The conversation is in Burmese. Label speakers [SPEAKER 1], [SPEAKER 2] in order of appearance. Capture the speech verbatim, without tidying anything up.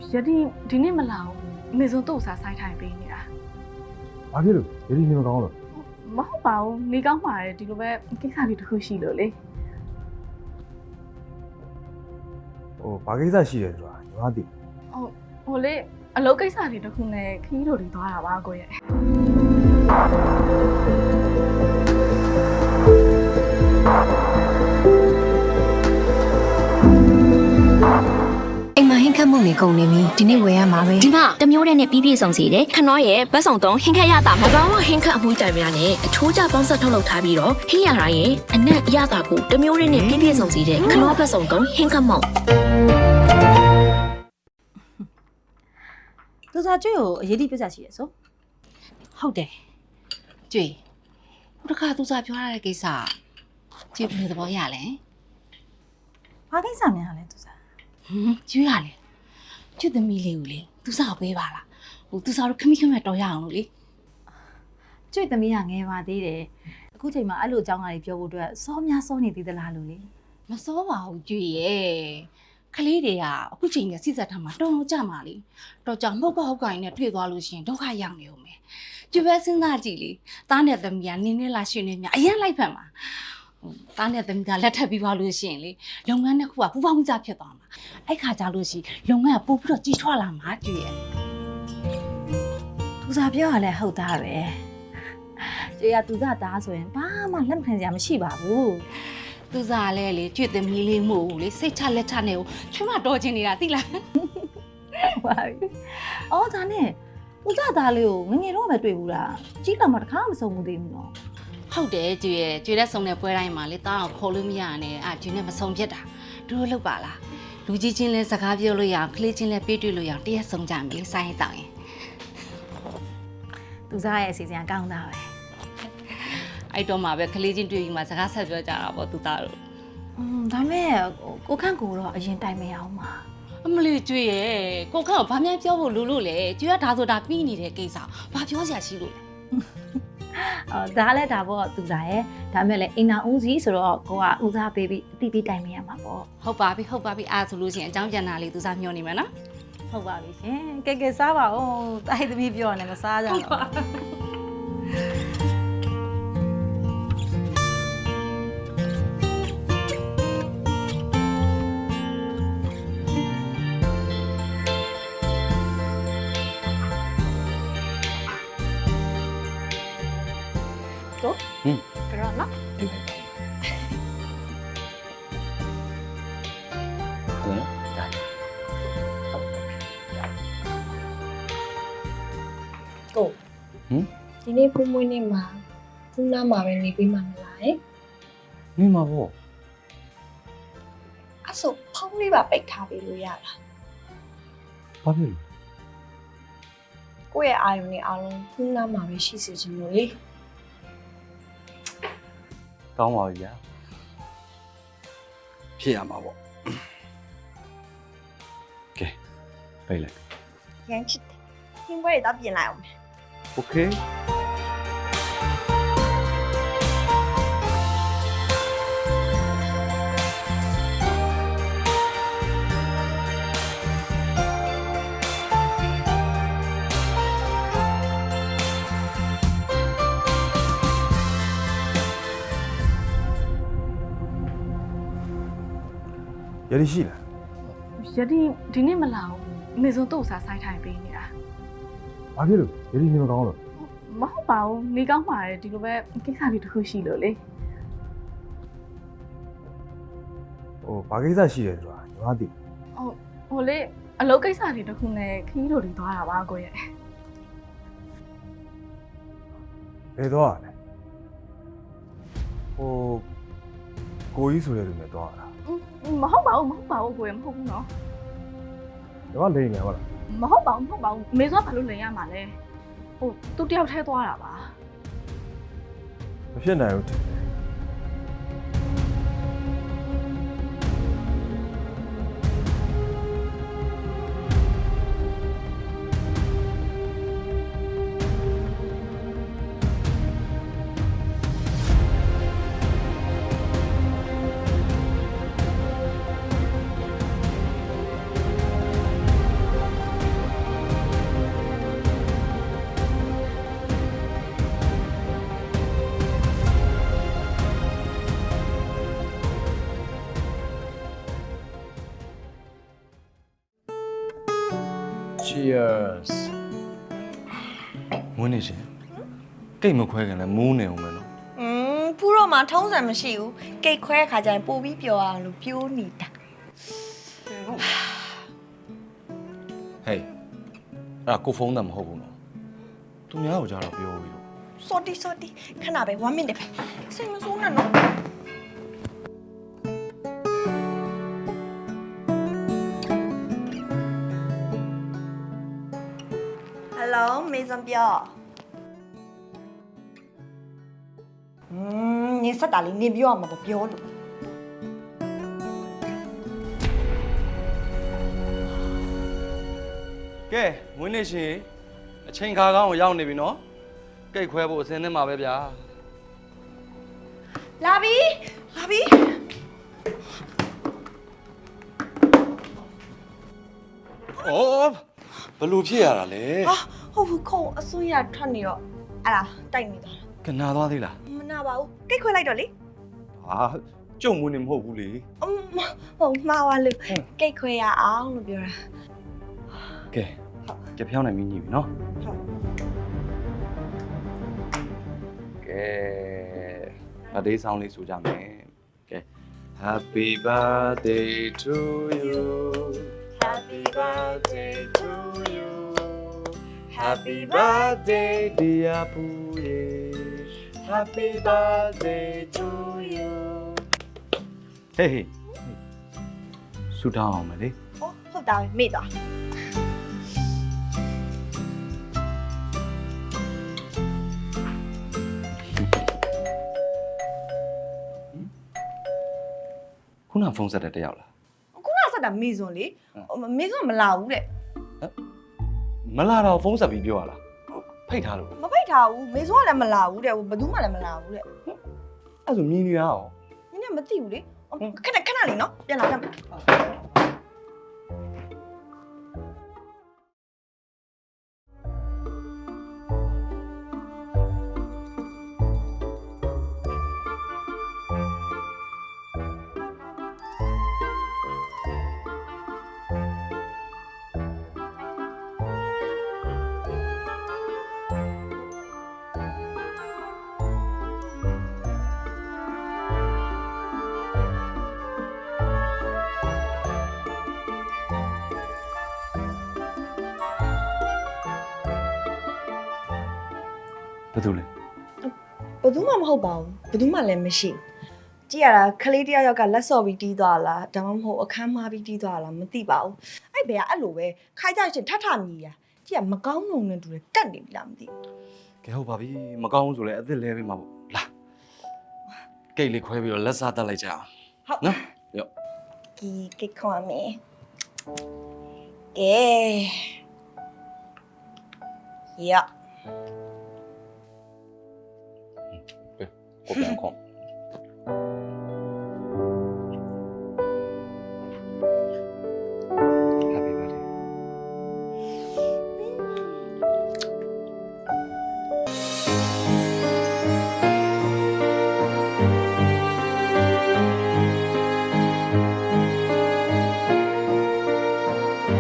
[SPEAKER 1] ယတိဒီနေ့မလာဘူးအမေဆုံးတော့စားဆိုင်ထိုင်ပေးနေတာ
[SPEAKER 2] ဘာဖြစ်လို့ယတိနေမကောင်းလို့
[SPEAKER 1] မဟုတ်ပါဘူးနေကောင်းပါတယ်ဒီလိုပဲကိစ္စလေးတစ်ခုရှိလို့လေ
[SPEAKER 2] ဟိုဘာကိစ္စရှိတယ်ဆိုတာညီမသိ
[SPEAKER 1] ဟုတ်ဟိုလေအလုပ်ကိစ္စလေးတစ်ခုနဲ့ခီးတို့တွေသွားတာပါကိုရဲ့
[SPEAKER 3] အိမ်မှာဟင်းခတ်မှုနေကုန်နေပြီဒီနေ့ဝယ်ရမှာပဲ
[SPEAKER 4] ဒီမှာတမျိုးတဲ့နဲ့ပြီးပြည့်စုံစီတယ်ခနောရဲ့ဘတ်ဆောင်တုံးဟင်းခက်ရတာမကောင်းဟင်းခက်အမှုတိုင်များနဲ့အချိုးကျပေါင်းဆက်ထုတ်လုပ်ထားပြီးတော့ဟင်းရတာရဲ့အနက်ရတာကိုတမျိုးတဲ့နဲ့ပြီးပြည့်စုံစီတယ်ခနောဘတ်ဆောင်တုံးဟင်းခက်မောက်
[SPEAKER 5] သူစားကျွေးကိုအရေးကြီးပြဿနာရှိရဆို
[SPEAKER 6] ဟုတ်တယ်ကျွေဟိုတခါသူစားပြောရတဲ့ကိစ္စကျွေဘယ်လိုသဘောရလဲ
[SPEAKER 5] ဘာကိစ္စများလဲသူစား
[SPEAKER 6] ဟမ်ကျွေရလေကျွေသမီးလေးကိုလေသူစားပေးပါလားဟိုသူစားတို့ခမိခမက်တော်ရအောင်လို့လေ
[SPEAKER 5] ကျွေသမီးကငယ်ပါသေးတယ်အခုချိန်မှာအဲ့လိုအကြောင်းအရာတွေပြောဖို့အတွက်စောများစောနေသေးသလားလို့လေ
[SPEAKER 6] မစောပါဘူးကျွေရဲ့ကလေးတွေကအခုချိန်ကစိစက်ထားမှာတော်တော်ကြမှာလေတော်ကြောင်မှုတ်ကဟုတ်ကိုင်းနဲ့တွေ့သွားလို့ရှိရင်ဒုက္ခရောက်နေဦးမယ်ကျွေပဲစဉ်းစားကြည့်လေသားနဲ့သမီးကနင်းနေလာရှင်နေမြအရင်လိုက်ဖက်မှာဟိုသားနဲ့သမီးကလက်ထပ်ပြီးသွားလို့ရှိရင်လေလုပ်ငန်းတစ်ခုကပူပေါင်းကြဖြစ်သွားမှာအဲ့ခါကြလို့ရှိရင်လုပ်ငန်းကပို့ပြီးတော့ကြီးထွားလာမှာကျွေရဲ့
[SPEAKER 5] သူစားပြောရလဲဟုတ်သားပဲကျွေကသူစားသားဆိုရင်ဘာမှလက်မခံစရာမရှိပါဘူး
[SPEAKER 6] သူစားလဲလေကျွေသမီးလေးမို့လေစိတ်ချလက်ချနဲ့ကိုချွတ်မတော်ချင်နေတာသိလား
[SPEAKER 5] ဟုတ်ပါပြီအော်ဒါနဲ့သူစားသားလေးကိုငငယ်တော့ပဲတွေ့ဘူးလားကြီးလာမှတစ်ခါမဆုံးဘူးသေးဘူးနော်
[SPEAKER 6] ဟုတ်တယ်ကျွေရဲ့ကျွေတဲ့ဆုံတဲ့ပွဲတိုင်းမှာလေတားအောင်ခေါ်လို့မရနဲ့အာကျွေနဲ့မဆုံဖြစ်တာတို့လောက်ပါလားလူကြီးချင်းလဲစကားပြောလို့ရအောင်ကလေးချင်းလဲပြေးတွေ့လို့ရအောင်တရက်ဆုံကြမယ်လေစိုင်းတောင်းရင်
[SPEAKER 5] သူစားရဲ့အစီအစဉ်ကောင်းတာပဲ
[SPEAKER 6] အဲ့တော့မှပဲကလေးချင်းတွေ့ပြီးမှစကားဆက်ပြောကြတာပေါ့သူသားတို့
[SPEAKER 5] อืมဒါမဲ့ကိုခန့်ကိုတော့အရင်တိုင်မရအောင်ပါ
[SPEAKER 6] အမလေးကျွေရဲ့ကိုခန့်ကိုဘာမှပြောဖို့လို့လို့လေကျွေကဒါဆိုတာပြီးနေတဲ့ကိစ္စဘာပြောစရာရှိလို့လဲ
[SPEAKER 5] အော်ဒါလည်းဒါပေါ့သူစားရဲ့ဒါမဲ့လည်းအိမ်နာဦးစီးဆိုတော့ကိုကဦးစားပေးပြီးအတိပေးတိုင်မရမှာပေါ့
[SPEAKER 6] ဟုတ်ပါပြီဟုတ်ပါပြီအားဆိုလို့ရှိရင်အကြောင်းပြန်တာလေးသူစားမျှော်နေမှာနော်
[SPEAKER 5] ဟုတ်ပါပြီရှင်ကဲကဲစားပါဦးတိုက်သမီးပြောနေမစားကြတော့
[SPEAKER 1] တော့ဟင်းကြတော့နော်
[SPEAKER 7] ကိုဟမ်ဒီနေ့ဖူးမွေးနေ့မှာဖူးနားမှာပဲနေပေးမှမလားဟဲ့
[SPEAKER 8] နေမှာပေါ့
[SPEAKER 7] အဲ့ဆိုဖုန်းလေးပါပိတ်ထားပေးလို့ရလား
[SPEAKER 8] ဘာဖြစ်လဲ
[SPEAKER 7] ကိုယ့်ရဲ့အာရုံနဲ့အားလုံးဖူးနားမှာပဲရှိစေချင်လို့လေ
[SPEAKER 8] ကောင်းပါပြီဗျာဖြစ်ရမှာပေါ့ကဲပြေးလိုက်
[SPEAKER 7] ရမ်းချစ်တယ်ဟင်းပွဲတော့ပြင်လိုက်အောင်မယ်
[SPEAKER 8] โอเค
[SPEAKER 2] ယတိရှိလား
[SPEAKER 1] ယတိဒီနေ့မလာဘူးအမေဆုံးတော့စားဆိုင်ထိုင်ပေးနေတာ
[SPEAKER 2] ဘာဖြစ်လို့ယတိနေမကောင်းလို့
[SPEAKER 1] မဟုတ်ပါဘူးနေကောင်းပါတယ်ဒီလိုပဲကိစ္စလေးတစ်ခုရှိလို့လေ
[SPEAKER 2] ဟိုဘာကိစ္စရှိတယ်ဆိုတာညီမသိ
[SPEAKER 1] ဟုတ်ဟိုလေအလုပ်ကိစ္စလေးတစ်ခုနဲ့ခီးတို့တွေသွားတာပါကိုရဲ့
[SPEAKER 2] ဘယ်တော့ရလဲဟိုကိုကြီးဆိုတဲ့လူနဲ့တော့ရတာ
[SPEAKER 1] မဟုတ်ပါဘူးမဟုတ်ပါဘူးကိုရဲ့မဟုတ်ဘူးနော်
[SPEAKER 2] ညီမလိန်နေဟုတ်လား
[SPEAKER 1] မဟုတ်ပါဘူးမဟုတ်ပါဘူးအမေဆုံးဘာလို့လိန်ရမှာလဲဟိုသူတယောက်ထဲသွားတာပါ
[SPEAKER 2] မဖြစ်နိုင်ဘူးထင်တယ်
[SPEAKER 8] Cheers မွေးနေရှင်ကိတ်မခွဲခင်လဲမူးနေအောင်မယ်နော်
[SPEAKER 9] อืมဖူးတော့မှထုံးစံမရှိဘူးကိတ်ခွဲခါကျရင်ပို့ပြီးပျော်အောင်လို့ပြိုးနေတာ
[SPEAKER 8] ဟေးအဲ့ဒါကိုဖုန်းတမ်းမဟုတ်ဘူးနော်သူများကိုကြားတော့ပြောပြီးတော့
[SPEAKER 9] စော်တီစော်တီခဏပဲone minute ပဲစိတ်မဆိုးနဲ့နော်ဟယ်လိုမေဇန်ပြောอืมနေစက်တာလေးနေပြောရမှာပေါ့ပြောလို့
[SPEAKER 8] ကဲမွေးနေရှင်အချိန်ခါကောင်းကိုရောက်နေပြီနော်ကိတ်ခွဲဖို့အစင်းနဲ့မှာပဲဗျာ
[SPEAKER 9] လာပြီလာပြီ
[SPEAKER 8] အော်ဘလို့ဖြစ်ရတာလဲ
[SPEAKER 9] ဟာဟုတ်ဘူးခုံအစွန်းရထွက်နေတော့အဲ့ဒါတိုက်နေသွားတာ
[SPEAKER 8] ကနာသွားသေးလား
[SPEAKER 9] မနာပါဘူးကိတ်ခွဲလိုက်တော့လေ
[SPEAKER 8] ဟာကြုံမွေးနေမဟုတ်ဘူးလေ
[SPEAKER 9] အမဟုတ်မှားပါလို့ကိတ်ခွဲရအောင်လို့ပြောတာ
[SPEAKER 8] ကဲကြပြောင်းနိုင်ပြီညီပြီနော်
[SPEAKER 9] ဟုတ်
[SPEAKER 8] ကဲဗတ်ဒေးဆောင်လေးဆိုကြမယ်ကဲ Happy birthday to you Happy birthday to you Happy birthday dear Puye Happy birthday to you Hey hey ဆူတောင်းအောင်မလေး
[SPEAKER 9] ဟုတ်ဟုတ်တာပဲမေ့သွား
[SPEAKER 8] ခုနဖုန်းဆက်တဲ့တယောက်လား
[SPEAKER 9] ခုနဆက်တာမေဇွန်လေမေဇွန်မလာဘူးတဲ့
[SPEAKER 8] မလာတော့ဖုန်းဆက်ပြီးပြောရလားဖိတ်ထားလို့
[SPEAKER 9] မဖိတ်ထားဘူးမေဇွန်ကလည်းမလာဘူးတဲ့ဘယ်သူမှလည်းမလာဘူးတဲ့
[SPEAKER 8] အဲ့ဆိုမြင်နေတာရော
[SPEAKER 9] နင်းလည်းမသိဘူးလေခဏခဏလေးနော်ပြန်လာကြမယ်
[SPEAKER 8] ဘယ်သူလဲ
[SPEAKER 9] ဘယ်သူမှမဟုတ်ပါဘူးဘယ်သူမှလည်းမရှိဘူးကြည့်ရတာခလေးတယောက်ယောက်ကလက်စော်ပြီးတီးသွားလားဒါမှမဟုတ်အခန်းမှားပြီးတီးသွားလားမသိပါဘူးအဲ့ဘယ်ကအဲ့လိုပဲခိုင်းကြရှင်ထထမြည်ရကြည့်ရမကောင်းလုံနဲ့တူတယ်ကတ်နေပြီလားမသိဘူး
[SPEAKER 8] ကဲဟုတ်ပါပြီမကောင်းဘူးဆိုလဲအစ်စ်လဲပေးမှာပေါ့လာကိတ်လေးခွဲပြီးတော့လက်စားတက်လိုက်ကြအောင်
[SPEAKER 9] ဟုတ်
[SPEAKER 8] နော်ရော့
[SPEAKER 9] ကီကိတ်ခွန်မေကဲရ
[SPEAKER 8] ကိုပြန်ခေါ်